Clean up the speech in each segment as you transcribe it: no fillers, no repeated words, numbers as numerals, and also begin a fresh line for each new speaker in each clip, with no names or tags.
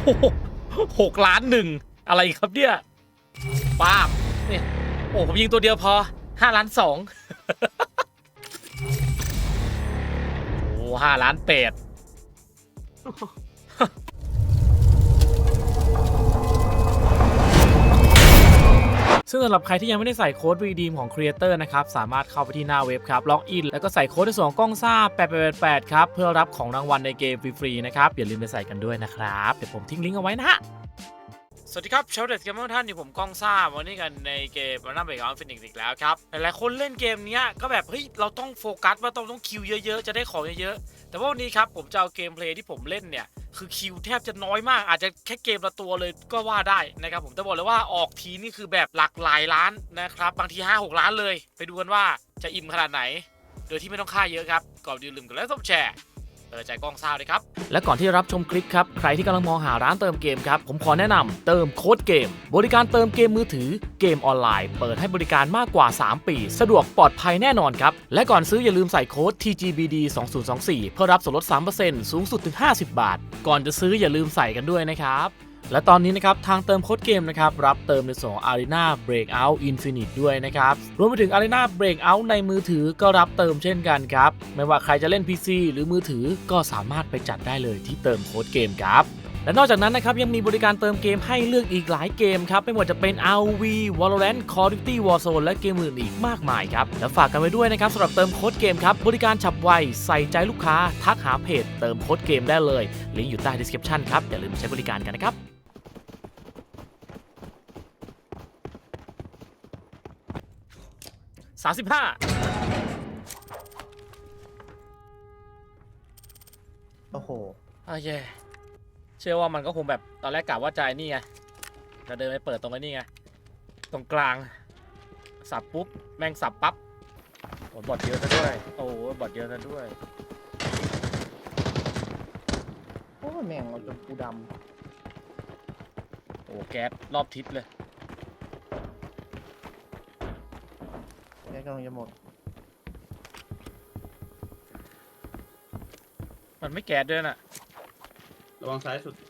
6,1,000,000อะไรครับเนี่ยป้าบเนี่ยโอ้ผมยิงตัวเดียวพอ5,2,000,000โอ้5,8,000,000ซึ่งสำหรับใครที่ยังไม่ได้ใส่โค้ด redeem ของ Creator นะครับสามารถเข้าไปที่หน้าเว็บครับล็อกอินแล้วก็ใส่โค้ดในส่วนของกล้องซ่า8888ครับเพื่อรับของรางวัลในเกมฟรีๆนะครับอย่าลืมไปใส่กันด้วยนะครับเดี๋ยวผมทิ้งลิงก์เอาไว้นะฮะสวัสดีครับชาวเด็ดเกมเมอร์ท่านอยู่ผมก้องซ่าวันนี้กันในเกมรันนัมเบรกออนฟินิกส์อีกแล้วครับหลายๆคนเล่นเกมนี้ก็แบบเฮ้ยเราต้องโฟกัสว่าต้องคิวเยอะๆจะได้ของเยอะๆแต่ว่าวันนี้ครับผมจะเอาเกมเพลย์ที่ผมเล่นเนี่ยคือคิวแทบจะน้อยมากอาจจะแค่เกมละตัวเลยก็ว่าได้นะครับผมจะบอกเลยว่าออกทีนี่คือแบบหลักหลายล้านนะครับบางที5-6 ล้านเลยไปดูกันว่าจะอิ่มขนาดไหนโดยที่ไม่ต้องค่าเยอะครับก่อนลืมกันแล้วต้องแชร์ใจกล้องซ่าเลยครับและก่อนที่รับชมคลิปครับใครที่กำลังมองหาร้านเติมเกมครับผมขอแนะนำเติมโค้ดเกมบริการเติมเกมมือถือเกมออนไลน์เปิดให้บริการมากกว่า3ปีสะดวกปลอดภัยแน่นอนครับและก่อนซื้ออย่าลืมใส่โค้ด TGBD 2024เพื่อรับส่วนลด 3% สูงสุดถึง50 บาทก่อนจะซื้ออย่าลืมใส่กันด้วยนะครับและตอนนี้นะครับทางเติมโค้ดเกมนะครับรับเติมในส่วน Arena Breakout Infinite ด้วยนะครับรวมไปถึง Arena Breakout ในมือถือก็รับเติมเช่นกันครับไม่ว่าใครจะเล่น PC หรือมือถือก็สามารถไปจัดได้เลยที่เติมโค้ดเกมครับและนอกจากนั้นนะครับยังมีบริการเติมเกมให้เลือกอีกหลายเกมครับไม่ว่าจะเป็น ROV Valorant Call of Duty Warzone และเกมอื่นอีกมากมายครับและฝากกันไว้ด้วยนะครับสำหรับเติมโค้ดเกมครับบริการฉับไวใส่ใจลูกค้าทักหาเพจเติมโค้ดเกมได้เลยลิงก์อยู่ใต้ description ครับอย่าลืมใช้บริการกันนะครับ35
โอ้โห
เย่เชื่อว่ามันก็คงแบบตอนแรกกะว่าใจนี่ไงจะเดินไปเปิดตรงนี้ไงตรงกลางสับปุ๊บแม่งสับปั๊บโอ้บอทเยอะซะด้วยโอ้บอทเยอะซะด้วย
โอ้แม่งเอาจนกูด
โอ้แก๊สรอบทิศเลย
ำแกกำลังจะหมด
มันไม่แก๊สด้วยน่ะ
ระวังซ้ายสุด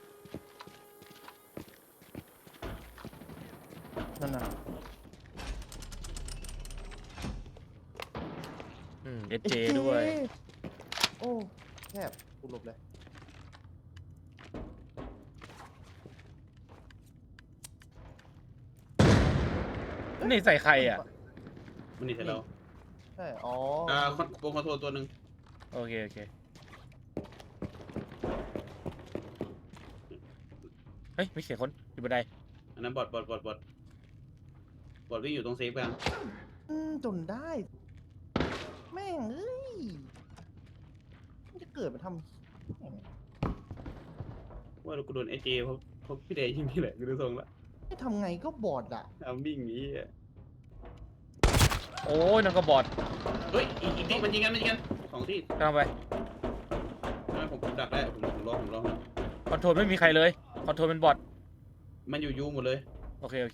นั่นน่ะ
SJ ด้วย
โอ้แคบกูหลบเลย
นี่ใส่ใครอ่ะ
มันนี่ใส่เรา
ใช่อ๋อ
วงคอนโทรลตัวหนึ่ง
โอเคเฮ้ยมีเสียงคนอยู่บันได
อันนั้นบอทวิ่งอยู่ตรงเซฟกัน
จนได้แม่งเอ้ยมันจะเกิดมาทำ
ว่าเรากูโดนไอเจเพราะพี่เดย์ยิงนี่แหละกูดูทรงละ
ไม่ทำไงก็บอดอ่ะ
ทำวิ่งนี้
โอ้ยนั่นก็บอท
เฮ้ยอีกที่มันยิงกันสองที่
กำลังไป
ผมดักได้ผมรอ
คอนโทรลไม่มีใครเลยคอนโทรลเป็นบอท
มันอยู่ยูหมดเลย
โอเค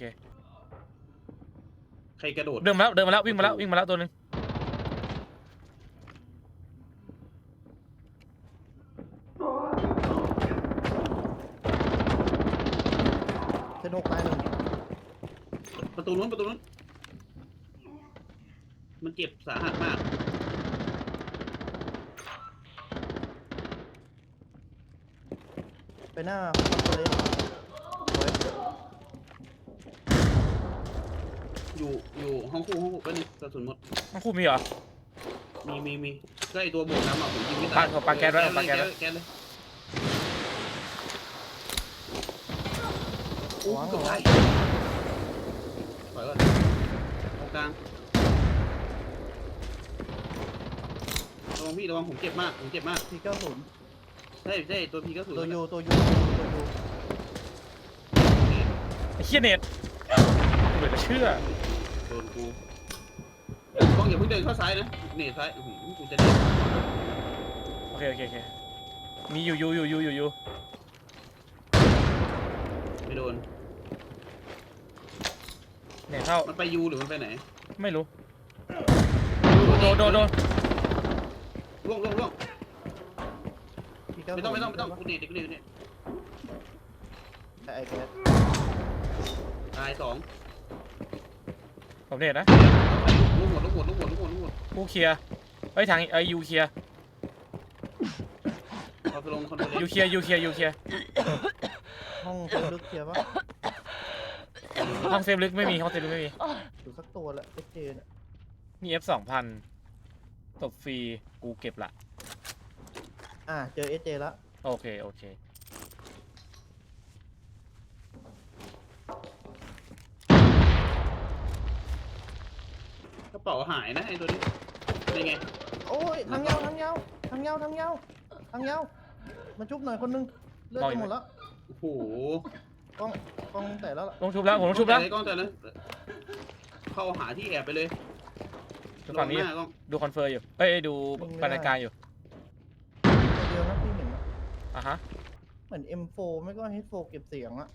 ใครกระโดด
เดินมาแล้ววิ่งมาแล้วตัวนึง
เซนหกตายหนึ่ง
ประตูนู้นมันเจ็บสาหัสมาก
ไปหน้าเลย
อยู่ห้องคู่ก็นี่กระสุนหมด
ห้องคู่มีเหรอ
มีก็ไอตัวบวกน้ำผมยิงไม่ตาย
ปาแก๊สเลย
โอ้เกือบได้ถอยก่อนตรงกลางระวังผมเจ็บมาก
P90
ใช่ตัวพี90
ตัวยู
ไอ้เหี้ยเน็ตเหมือนจะเชื่อ
โดนกูต้องอย่าเพิ่งเดินเข้าซ้ายนะเนตซ้ายกูจะเดิน
โอเคมีอยู่
ไม่โดน
เนี่ยเข้า
มันไปยูหรือมันไปไหน
ไม่รู้โดน
ล่วง
ไม่
ต้องกูเนต
ไอ้แก๊ส
ตาย2
ผมเห็นนะ
ลูกหมด
กูเคลียร์เอ้ยทางยูเคลียร์
เอาไปลงคอนโทรล
ยูเคลียร์
ห้องลึกเคลียร์ปะ
ห้องเซฟลึกไม่มีห้องเซฟลึกไม่มี
อยู่สักตัวละเจเนี่ย
มี F 2,000ตบฟรีกูเก็บละ
เจอเจแล้ว
โอเค
กระเป๋าหายนะไอ้ตัวนี้เป็นไง
โอ้ยทางยาวมาชุบหน่อยคนนึงเลือดจะหมดแล้ว
โอ้โห
กล้องแต่แล้วล่ะ
ลงชุบแล้วผมลงชุบแล้ว
กล้องแต่เลยเข้าหาที่แอบไปเลย
ฝั่งนี้
ลหากล้อง
ดูคอนเฟิร์มอยู่เอ้ยดูบรรยากาศอยู่
ตัวเดียวนะที่เห็นอะ
อ่ะฮะ
เหมือน M4 ไม่ก็ H4 เก็บเสียงอะ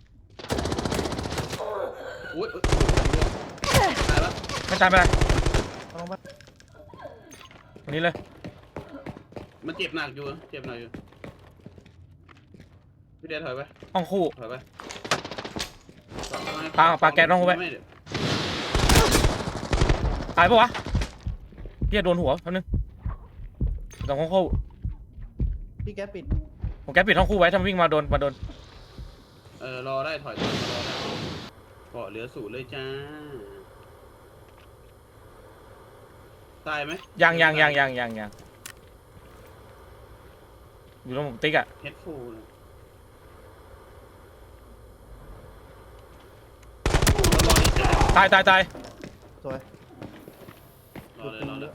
อุ้ยตายแล้ว
ไม่ตายไปเลย
เอาลงไป
ตรงนี้เลย
มันเจ็บหนักอยู่พี่เดชถอยไป
ห้องคู่
ถอยไป
ปาแก๊สลงไป
ม่เดี๋ยว
ตายปะวะเฮียโดนหัวแป๊บนึงตรงห้องคู่
พี่แก๊สปิด
ผมแกปิดห้องคู่ไว้ถ้ามันวิ่งมาโดน
รอได้ถอยรอได้เกาะเหลือ0เลยจ้าตายไหม
ยังอยู่ตรงผมติ๊กอะ
เฮดฟูลรอดิจ้า
ตาย
สวย
รอเลย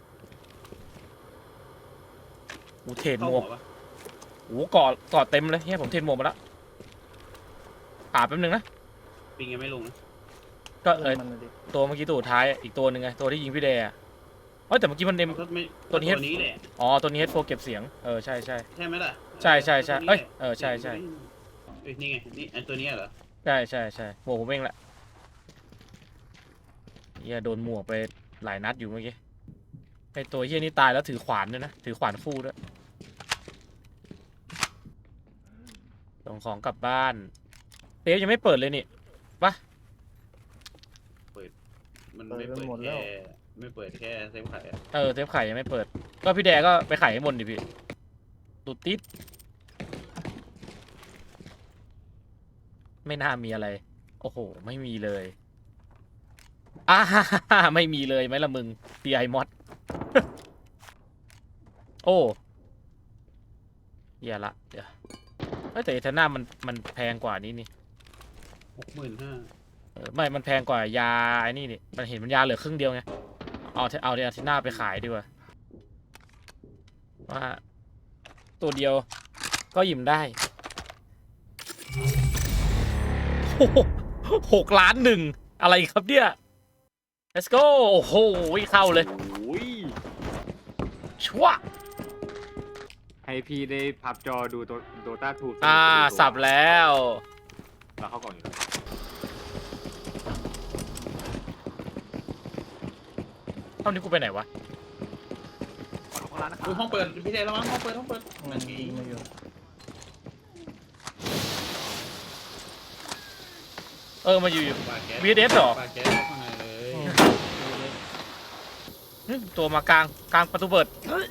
กูเทรดห
เข้าม
ว
หั
ก
วปะ
โอ้กอดเต็มเลยเฮียผมเทรดหมวกมาแล้วแป๊บนึงนะ
ปิงยังไม่ลงนะ
ก็
มันเลยดิ
ตัวเมื่อกี้ตัวสุดท้ายอีกตัวหนึ่งไงตัวที่ยิงพี่เดย์อะเอ้ยแต่เมื่อกี้มันเต็ม
ไม่
ตัวนี้
นี้แหละ
อ๋อตัวนี้ H4 เก็บเสียงใช่
ใช่ไหมล่ะ
ใช่เอ้ยใช่
เอ้ยนี่ไงนี่อันตัวนี้เหรอ
ใช่หมวกผมเองแหละเฮียโดนหมวกไปหลายนัดอยู่เมื่อกี้ไอตัวเฮียนี่ตายแล้วถือขวานด้วยนะถือขวานคู่ด้วยส่งของกลับบ้านเซฟยังไม่เปิดเลยนี่ปะ
มันไม่เปิดแค่เซฟไข่อะ
เซฟไข่ยังไม่เปิดก็พี่แดก็ไปไข่ให้บนดิพี่ตูดติดไม่น่ามีอะไรโอ้โหไม่มีเลยไม่มีเลยไหมล่ะมึง DI mod โอ้เหี้ยละเดี๋ยวแต่เอเทน่ามันแพงกว่านี้นี่
65,000
ไม่มันแพงกว่ายาไอ้นี่นี่มันเห็นมันยาเหลือครึ่งเดียวไงเอาเอเทน่าไปขายดีกว่าว่าตัวเดียวก็หยิมได้โอ้โห6 ล้าน 1อะไรครับเนี่ย let's go โอ้โหเข้าเลย
โอ้ย
ชั่ว
ให้พี่ได้พับจอดูโดตาทู
สับแล้ว
เราเข้าก่อนอยู่แล้ว
เท่านี้กูไปไหนวะ
ก่อนลงข้างล่างนะครั
ห้องเปิดพี่เดชระวังห้องเปิด
มันยิงมาอยู่
มาอยู่
ปาแก๊ส
VDS เหรอ
ปาแก๊สข้างในเลย
ตัวมากลางประตูเปิด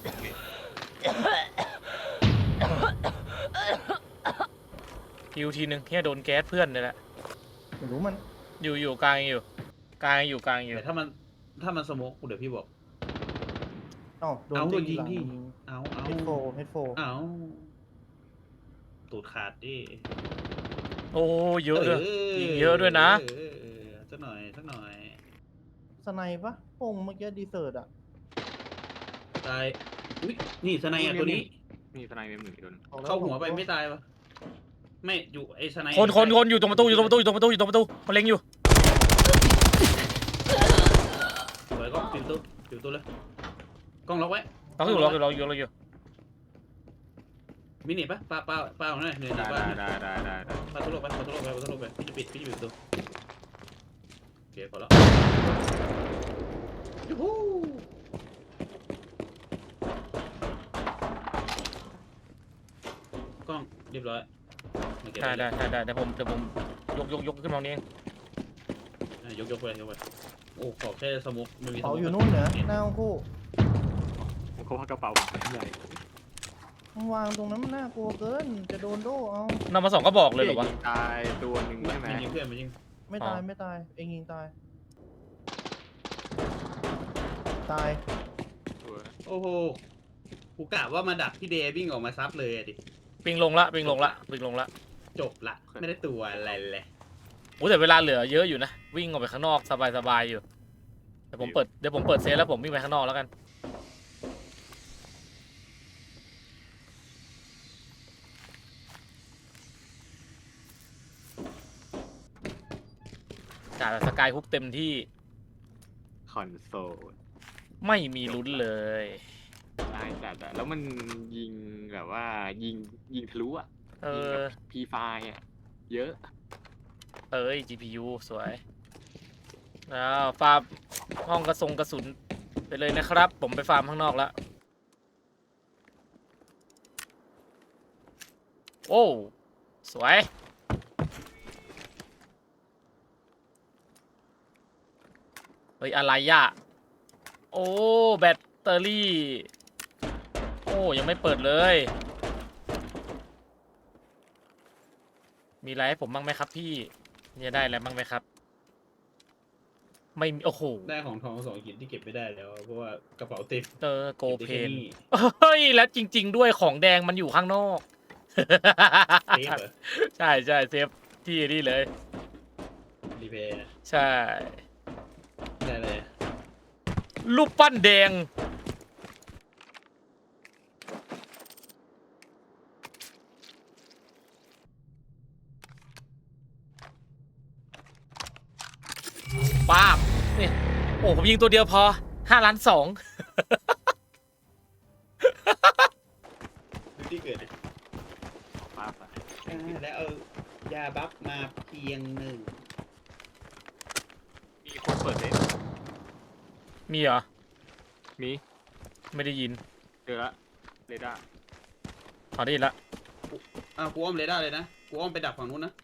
ฮิวทีนึงแค่โดนแก๊สเพื่อนเลยแหละ
ไม่รู้มัน
อยู่กลางอยู่
แต่ถ้ามันสโมกเดี๋ยวพี่บอก
โดนยิงที่
เอา
H4
เอาตูดขาดดิ
โอ้เยอะด้วยยิงเยอะด้วยนะ
สักหน่อย
สไนปะพงเมื่อกี้ดีเซิร์ตอะ
ตายอุ้ยนี่สไนอ่ะตัวนี้
มีทนายเมมหนึ่งอีกตัวนึง
เข้าหัวไปไม่ตายปะไม่อยู่ไอ้สไน
คนอยู่ตรงประตูมันเล็งอยู่
สวยก็ปิดตัวเลยกล้องล็อกไว้
เราอยู่
มินิปะปลาของนั่นเหนื่อย
ได้
ปลา
ได้
ปลาทุลไปพี่จะปิดตัวโอเคพอแล้วยูฮูกล้องเรียบร้อยมาเก็บ
ได้เดี๋ยวผมยกขึ้นมาตรงนี้เอง
ยกไปโอ้ขอแค่สมุกไม่มี
เป๋าอยู่นู่นเหรอหน้าห้องคู่
ผมก็ว่ากระเป๋าผมใหญ่
มันวางตรงนั้นมันน่ากลัวเกินจะโดนโดเอา
นำมา2ก็บอกเลยเหรอวะ
ยิงตายตัวหนึ่งใช่ไหม
มันยิงเพื่อนมันยิง
ไม่
อ๋อ
ตายไม่ตายเองยิงตายตาย
ตัว
โอ้โหกูกะว่ามาดักพี่เดย์วิ่งออกมาซับเลยอะดิ
ปิงลงละ
จบละไม่ได้ตัวอะไรเลย
โอ้แต่เวลาเหลือเยอะอยู่นะ วิ่งออกไปข้างนอกสบายอยู่เดี๋ยวผมเปิดเซฟแล้วผมวิ่งไปข้างนอกแล้วกันจ่ายแบบสกายฮุกเต็มที่
คอนโซล
ไม่มีลุ้นเลย
ได้แต่แล้วมันยิงแบบว่ายิงทะลุอ่ะ
เอ
ยิง
อ
แบบพีไฟอ่ะเยอะ
เอ้ย GPU สวยแล้วฟาร์มห้องกระสุนไปเลยนะครับ ผมไปฟาร์มข้างนอกแล้ว โอ้ สวย เฮ้ย อะไรอ่ะ โอ้ แบตเตอรี่ โอ้ ยังไม่เปิดเลย มีอะไรให้ผมบ้างไหมครับพี่เนี่ยได้อะไรบ้างไหมครับ ไม่มี โอ้โห
ได้ของทอง2 หินที่เก็บไม่ได้แล้วเพราะว่ากระเป๋าเต็ม
เตอร์โก
ก็บได้
เพ
แค่
น
นี้
เฮ้ย แล้วจริง ๆ ด้วยของแดงมันอยู่ข้างนอก
เซฟเหรอ
ใช่เซฟที่นี่เลย
รีเพย์
ใช่
ได้เลย
รูปปั้นแดง ป้าบนี่โอ้ผมยิงตัวเดียวพอ5 ล้าน 2
ดูที่เกิดดิ
ป้าไป
แล้วเอายาบัฟมาเพียง1
มีคนเปิดเลย
มีเหรอ
มี
ไม่ได้ยิน
เจอละเรดาร์
อ๋อได้ยินละ
กูอ้อมเรดาร์เลยนะกูอ้อมไปดักฝั่งนู้นนะ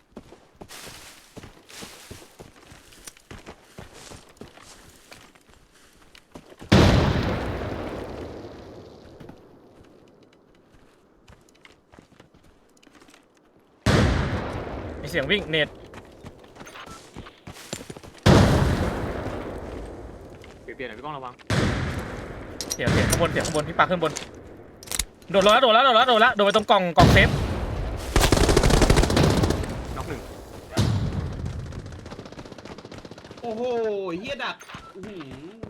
มีเสียงวิ่งเน็ต
เปลี่ยนหน่อยพี่ก้องระวัง
เสียงข้างบนพี่ปาขึ้นบนโดดลงแล้วโดดไปตรงกล่องเซฟ
น็อกหนึ่ง
โอ้โหเฮียดักอื้อหือ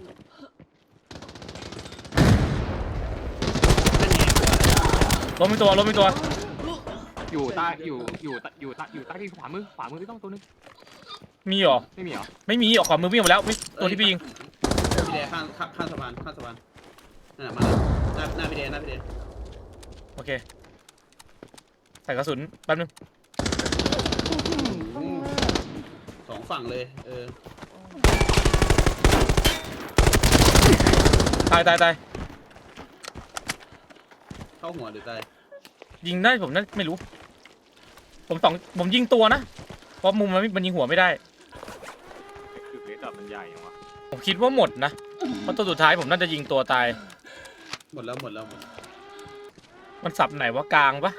นั่นไง
ล้มมีตัว
อยู่ใต้ที่ขวามือพี่ก้องตัวนึง
มีเหรอ
ไม่มีเหรอ
ไม่มีออกขวามือวิ่งมาแล้วตัวที่พี่ยิง
พี่เดย์ข้างสะพานนั่นแหละมาแล้วหน้าพี่เดย์
โอเคใส่กระสุนแป๊บนึง
2 ฝั่งเลย
ตาย
เข้าหัวหรือตาย
ยิงได้ผมนั่นไม่รู้ผมยิงตัวนะเพราะมุมมันยิงหัวไม่ได้
คือเรดาร์มันใหญ่ยังวะ
ผมคิดว่าหมดนะเพราะตัวสุดท้ายผมน่าจะยิงตัวตาย
หมดแล้ว
มันสับไหนวะกลางปะ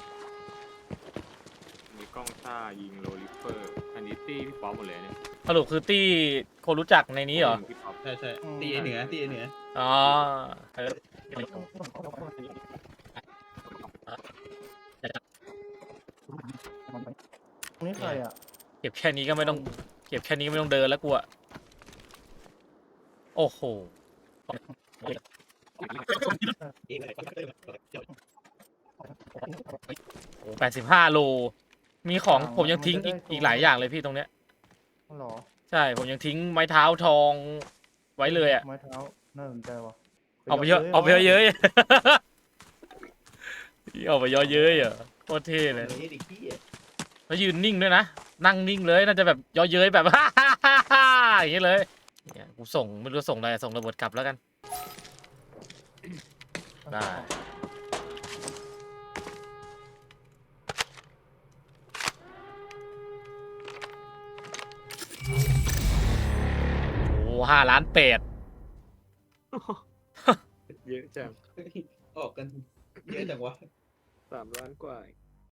มีกล้องซ่ายิงโรลิเฟอร์อันนี้ตี้พี่ป๊อปหมดเลยเนี่ย
สรุปคือตี้คนรู้จักในนี้เหรอ
พี่ป๊อป
ใช่ตีเหนือ
อ๋อเออ
นี่ใครอ่ะ
เก็บแค่นี้ก็ไม่ต้องเดินแล้วกูอะโอ้โห85 โลมีของผมยังทิ้งอีกหลายอย่างเลยพี่ตรงเนี้ย
หรอ
ใช่ผมยังทิ้งไม้เท้าทองไว้เลยอะ
ไม้เท้าน่าสนใจว่ะ
เอาไปเยอะเอาไปเยอะๆเอาไปเยอะๆอ่ะโคตรเท่เลยแล้วยืนนิ่งด้วยนะนั่งนิ่งเลยน่าจะแบบเยอะเย้ยแบบ อย่างนี้เลยเนี่ยกูส่งไม่รู้ส่งอะไรส่งระเบิดกลับแล้วกันได้โอ้5,800,000
เยอะจัง
ออกกันเยอะจังวะ
3 ล้านกว่า